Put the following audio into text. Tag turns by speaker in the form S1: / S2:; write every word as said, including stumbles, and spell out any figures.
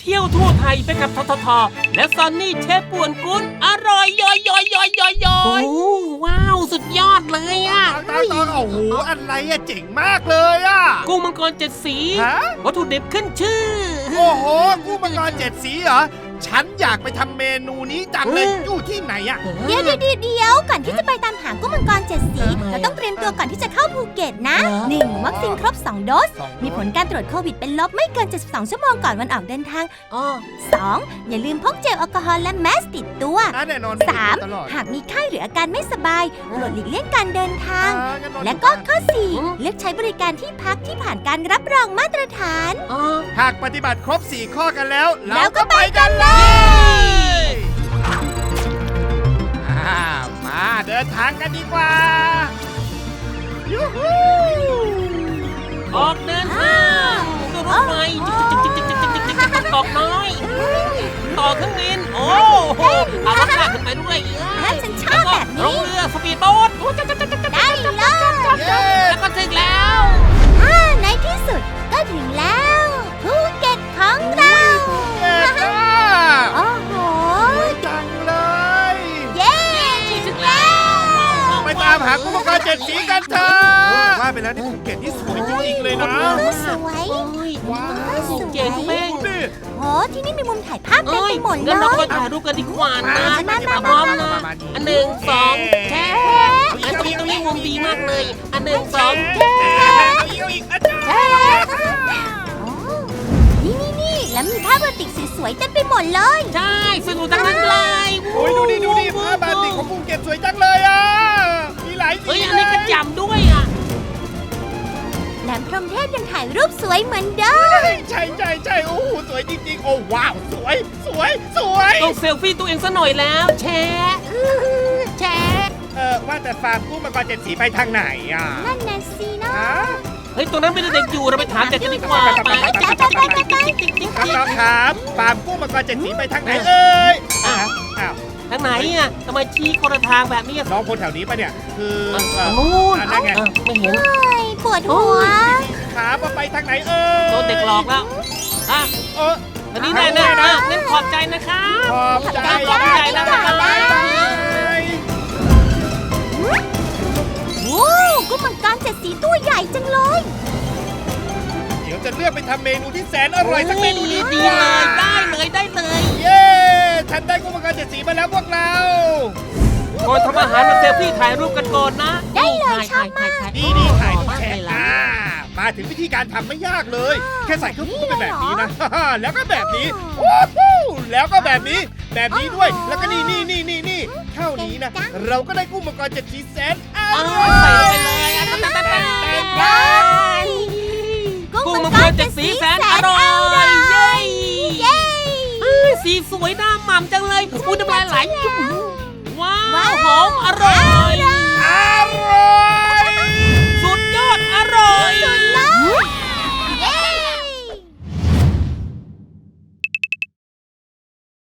S1: เที่ยวทั่วไทยไปกับทททและซอนนี่เชฟป่วนกุ้นอร่อยย่อยย่อยย่อยย่อยย่อยโอ้ว้าวสุดยอดเลยอ่ะ
S2: ตอนตอนโอ้โหอะไรอะเจ๋งมากเลยอะ
S1: กุ้งมังกรเจ็ดสี
S2: ฮะ
S1: วัตถุดิบขึ้นชื่อ
S2: โอ้โหกุ้งมังกรเจ็ดสีเหรอฉันอยากไปทำเมนูนี้จังเลย
S1: เออ
S2: อยู่ที่ไหนอะ
S3: เดี๋ยวเดี๋ยวเดี๋ยวก่อนที่จะไปตามหากุ้งมังกรเจ็ดสี
S1: ทำไม
S3: เราต้องเตรียมตัวก่อนที่จะเข้าภูเก็ตนะ
S1: เหรอ
S3: หนึ่งวัคซีนครบสองโดส มีผลการตรวจโควิดเป็นลบไม่เกินเจ็ดสิบสองชั่วโมงก่อนวันออกเดินทาง
S1: อ๋อ
S3: สองอย่าลืมพกเจลแอลกอฮอล์และแมสติดตัว
S2: อ่ะแน่นอน
S3: สาม
S2: ตลอด
S3: หากมีไข้หรืออาการไม่สบายโปรดหลีกเลี่ยงการเดินทาง
S2: อ่างั้นนอน
S3: และก็
S2: อยู่บ้าน
S3: ข้อสี่
S1: อืม
S3: เลือกใช้บริการที่พักที่ผ่านการรับรองมาตรฐาน
S1: อ๋อ
S2: หากปฏิบัติครบสี่ข้อกันแล้ว
S3: แล้วก็ไปกันเลย
S2: อ่ามาเดินทางกันดีกว่ายูฮู
S1: ออกเดินทางด้วยรถไฟจิกจิกจิกจิกจิกจิกจิกจิกกอกน้อย ต่อเครื่องบินโอ้โหเอารถลากขึ้นไปด้วย
S3: แล้วฉันชอบแบบ
S1: ล
S3: นี้
S1: งเรือสปีดโบ๊ท
S3: ได้เลย
S2: เย้
S1: แล้วก็ถึงแล้ว
S3: อ่าในที่สุดก็ถึงแล้วภูเก็ตของเรา
S2: เย้จ้า
S3: โอ้โห
S2: สวยจังเลย
S3: เย้ถึงแล้ว
S2: ไปตามหากุ้งมังกรเจ็ดสีกันเถอะว่าไปแล้วนี่ภูเก็ตที่สวยจริงๆเลยนะ
S3: สวย
S1: โอ้ย
S2: ว้าว
S1: เจ๋งเป้ง
S2: ดิ
S3: โอ้ที่นี่มีมุมถ่ายภาพเต็ม
S1: เอ้
S3: ไป
S1: ย
S3: หมดเล
S1: งั้นเรา
S3: ย
S1: ไปถ่ายรูปกันดีกว่านะ
S3: มามามา
S1: พร้อมนะ
S2: มาดี
S1: อันหนึ่งสองแชร์อันตรงนี้ตรงนี้มุมดีมากเลย อันหนึ่งสองแชร์
S2: เอาอีกเอาอีกอาจารย์
S3: โอ้นี่นี่นี่แล้วมีภาพโรติกสวยๆเต็มไปหมดเลย
S1: ใช่สนุกทั้งนั้นเลย
S2: โอ้ยดูดิดูดิผ้าบาติกของภูเก็ตสวยจังเลยอ่ะมีหลายสี
S1: เฮ้ยอัน
S2: เล
S1: นี้
S2: ย
S1: กระจำด้วยอ่ะ
S3: แหลมพรหมเทพยังถ่ายรูปสวยเหมือนเดิม
S2: ใช่ใช่ใช่โอ้โหสวยจริงๆ โอ้ว้าวสวยสวยสวย
S1: ต้องเซลฟี่ตัวเองซะหน่อยแล้ว แชร์แชร์
S2: เออว่าแต่ฟาร์มกุ้งมังกรเจ็ดสีไปทางไหนอ่ะ
S3: นั่นน่ะสิเนาะ
S2: ฮะ
S1: เฮ้ยตรงนั้นไม่ได้เด็กอยู่เราไปถามเด็กกันดีกว่าไป
S2: น้องๆครับฟาร์มกุ้งมังกรเจ็ดสีไปทางไหนเอ่ยอ้าวอ้าว
S1: ทางไหนอ่ะทำไมชี้คนละทางแบบนี้อ่ะ
S2: น้องคนแถวนี้ปะเนี่ยคือ
S1: อ่ะ
S2: เอ่อ
S1: นู่น
S2: อ่ะนั่นไง
S1: อ่ะไม่เห็น
S3: เฮ้ยปวดหัว
S2: ขาว่าไปทางไหนเอ่ย
S1: โดนเด็กหลอกแล้วอ่ะ
S2: เออ
S1: อันนี้แน่นะอ่ะงั้นขอบใจนะครับ
S2: ขอบใจ
S1: ขอบใจแล้วนะครับ
S2: บ๊ายบาย
S3: โอ้กุ้งมังกรเจ็ดสีตัวใหญ่จังเลย
S2: เดี๋ยวจะเลือกไปทำเมนูที่แสนอร่อยสักเมนูนี้
S1: ดีเลยได้เลยได้เลย
S2: เย้ฉันได้กุ้งมังกรเจ็ดสีมาแล้วพวกเรา
S1: ก่อนทำอาหารมาเซลฟี่ถ่ายรูปกันก่อนนะ
S3: ได้เลย
S1: ถ่าย
S3: ชอบมาก
S1: ถ่าย
S2: ดีดีถ่ายรูปแช
S1: ถ่าย
S2: ร์
S1: ละ
S2: อ่ามาถึงวิธีการทำไม่ยากเลย แค่ใส่เครื่องปรุงเป็นแบบนี้นะ แล้วก็แบบนี้โอ้โหแล้วก็แบบนี้ แบบนี้ด้วย แล้วก็นี่นี่นี่นี่นี่เท่านี้นะ เราก็ได้กุ้งมังกรเจ็ดสีแสนอ
S1: เอา
S2: ร่อย
S1: ใส่ลงไปเลยอ่ะตั้งแต่ตั้งแต่
S3: ได้
S1: กุ้งมังกรเจ็ดสีแสนอร่อยเย้
S3: เย้
S1: เอ้ยสีสวยหน้าหม่ำจังเลยอุ้ยน้ำลายไหลว้าวหอมอร่อย
S2: อร่อย